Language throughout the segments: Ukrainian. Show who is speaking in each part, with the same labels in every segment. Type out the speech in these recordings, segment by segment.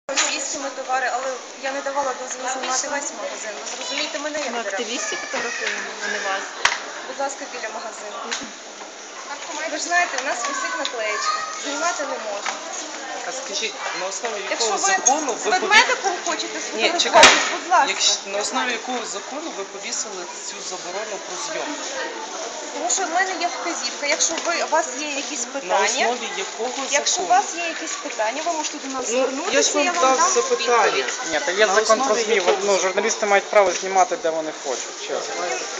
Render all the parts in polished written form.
Speaker 1: Російськими товари, але я не давала дозвіл знімати весь магазин. Ви зрозумієте мене, як
Speaker 2: Ми
Speaker 1: директор?
Speaker 2: активістів фотографуємо, а не вас.
Speaker 1: Будь ласка, біля магазину. Ви ж знаєте, у нас висить наклеєчка. Знімати не можна.
Speaker 3: А скажіть, на основі
Speaker 1: Якщо
Speaker 3: якого
Speaker 1: ви
Speaker 3: закону
Speaker 1: з
Speaker 3: ви
Speaker 1: ведмедиком хочете
Speaker 3: Ні, чекайте.
Speaker 1: сфотографуватись, будь ласка.
Speaker 3: На основі якого закону ви повісили цю заборону про зйомку?
Speaker 1: Тому що в мене є вказівка. Якщо у вас є якісь
Speaker 3: На
Speaker 1: питання,
Speaker 3: основі якого закону?
Speaker 1: якщо у вас є якісь питання, ви можете до нас
Speaker 3: я ж
Speaker 1: звернутися,
Speaker 3: вам
Speaker 1: я вам
Speaker 3: дав
Speaker 1: дам
Speaker 3: запитання.
Speaker 1: відповідь.
Speaker 4: Ні, та є
Speaker 3: На
Speaker 4: закон про
Speaker 3: основі
Speaker 4: ЗМІ,
Speaker 3: якого
Speaker 4: ну, журналісти мають право знімати, де вони хочуть, чесно.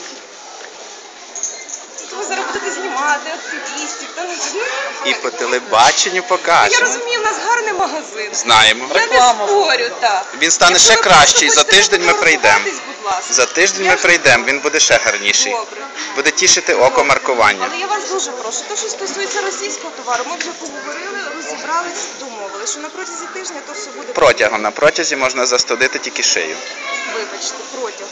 Speaker 1: Тут ви зараз будете знімати активістів.
Speaker 5: І по телебаченню
Speaker 1: Я
Speaker 5: покажемо.
Speaker 1: розумію, в нас гарний магазин.
Speaker 5: Знаємо.
Speaker 1: Я не спорю, так.
Speaker 5: Він стане
Speaker 1: Якщо
Speaker 5: ще
Speaker 1: ви
Speaker 5: кращий.
Speaker 1: просто
Speaker 5: За тиждень ми прийдемо.
Speaker 1: фотографуватись, будь ласка.
Speaker 5: За тиждень
Speaker 1: Я
Speaker 5: ми
Speaker 1: ж-
Speaker 5: прийдемо, він буде ще гарніший.
Speaker 1: Добре.
Speaker 5: Буде тішити око маркування.
Speaker 1: Але я вас дуже прошу, те, що стосується російського товару, ми вже поговорили, розібрались, домовились, що на протязі тижня то все буде.
Speaker 5: Протягом на протязі можна застудити тільки шию.
Speaker 1: Вибачте, протягом.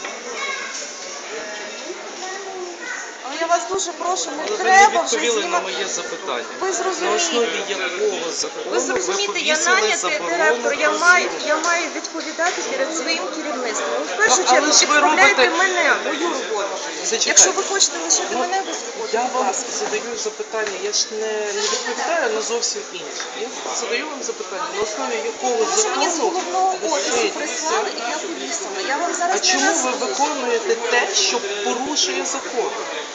Speaker 1: Але я вас дуже прошу, не
Speaker 3: Але ви не
Speaker 1: треба вже
Speaker 3: відповіли на
Speaker 1: знімати.
Speaker 3: моє запитання.
Speaker 1: Ви
Speaker 3: На
Speaker 1: зрозумієте.
Speaker 3: основі якого закону
Speaker 1: Ви зрозумієте, я
Speaker 3: повісили
Speaker 1: нанятий
Speaker 3: заборону
Speaker 1: директор, я
Speaker 3: про
Speaker 1: маю
Speaker 3: зйомку?
Speaker 1: відповідати перед своїм керівництвом. Ви в першу
Speaker 3: Але
Speaker 1: чергу
Speaker 3: ж ви
Speaker 1: підставляйте
Speaker 3: робите-
Speaker 1: мене, мою роботу.
Speaker 3: Зачекайте.
Speaker 1: Якщо ви хочете лишити мене без роботи,
Speaker 3: Я
Speaker 1: будь
Speaker 3: вам
Speaker 1: ласка.
Speaker 3: задаю запитання, я ж не відповідаю на зовсім інше. Я задаю вам запитання, на основі якого
Speaker 1: Тому що мені з
Speaker 3: закону
Speaker 1: головного офісу
Speaker 3: висить
Speaker 1: прислали і я повісила. Я вам
Speaker 3: А
Speaker 1: зараз не
Speaker 3: чому ви
Speaker 1: назву.
Speaker 3: виконуєте те, що порушує закон?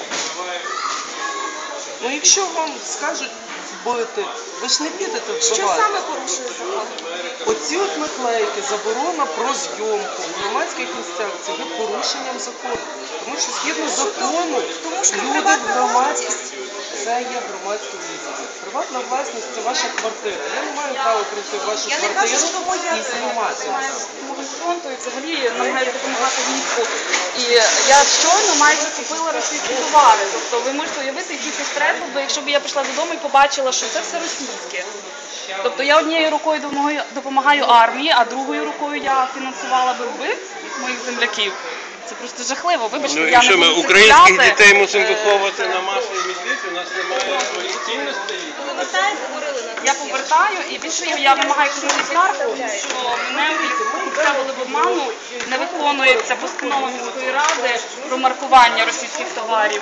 Speaker 3: Ну якщо вам скажуть бити, ви ж не підете
Speaker 1: Що
Speaker 3: вбивати.
Speaker 1: саме порушує закон?
Speaker 3: Оці от наклейки, заборона про зйомку в громадських місцях, це є порушенням закону. Тому що згідно закону
Speaker 1: Тому що
Speaker 3: люди
Speaker 1: приватна
Speaker 3: в громадській...
Speaker 1: власність.
Speaker 3: Це є громадське місце. Приватна власність – це ваша квартира. Я не маю права прийти в вашу
Speaker 1: Я не
Speaker 3: квартиру
Speaker 1: кажу, що моя
Speaker 3: і знімати.
Speaker 2: З фронту і взагалі намагаюся допомагати війську. І я щойно майже купила російські товари. Тобто ви можете уявити, який це стрес, бо якщо б я прийшла додому і побачила, що це все російське. Тобто я однією рукою допомагаю армії, а другою рукою я фінансувала би вбивць моїх земляків. Це просто жахливо. Вибачте,
Speaker 6: Ну
Speaker 2: я
Speaker 6: і
Speaker 2: не
Speaker 6: що ми
Speaker 2: буду це
Speaker 6: українських
Speaker 2: купляти.
Speaker 6: дітей мусимо виховувати на масовій мізниці, у нас немає своїх цінностей.
Speaker 2: Я повертаю і більше я вимагаю кожного скаргу, що мене вставили в обману, не виконується постанова міської ради про маркування російських товарів.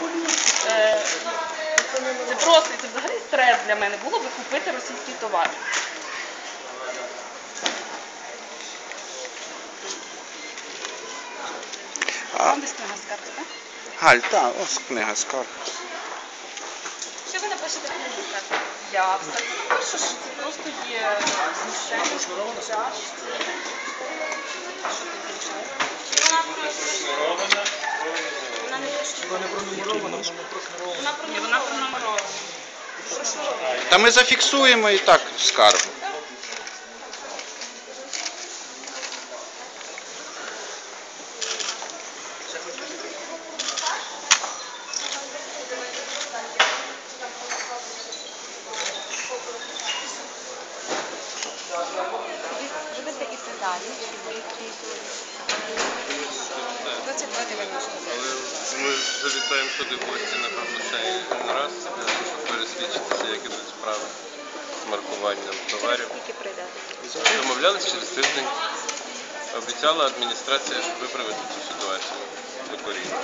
Speaker 2: Це просто, це взагалі стрес для мене було би купити російський товар. Вам десь книга скарг, так?
Speaker 5: Галь, так, ось книга скарг.
Speaker 2: Що ви напишете книгу скарг? Я все це напишу, що це просто є знущання, тяжкі. Вона не пронумерована. Вона пронумерована.
Speaker 5: Та ми зафіксуємо і так скаргу.
Speaker 1: Будете іти далі. 22,90.
Speaker 6: Але ми завітаємо сюди в гості, напевно, ще один раз, щоб пересвідчитися, як ідуть справи з маркуванням товарів.
Speaker 1: Скільки прийдете?
Speaker 6: Домовлялись через тиждень. Обіцяла адміністрація виправити цю ситуацію докорінно.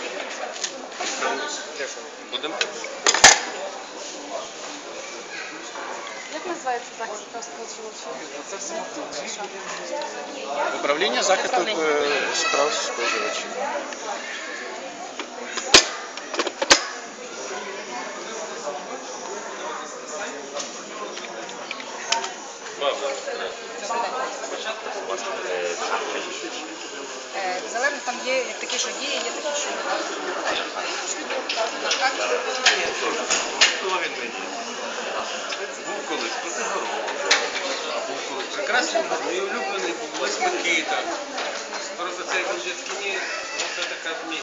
Speaker 6: Будемо?
Speaker 2: Як називається захист прав споживачів?
Speaker 5: Управління захисту справ споживачів.
Speaker 1: Залежно там є такі, що є, є такі, що немає.
Speaker 6: Був колись Протигород, був колись прекрасний, мій улюблений був Лесь Микита. Просто цей Бужецький, це така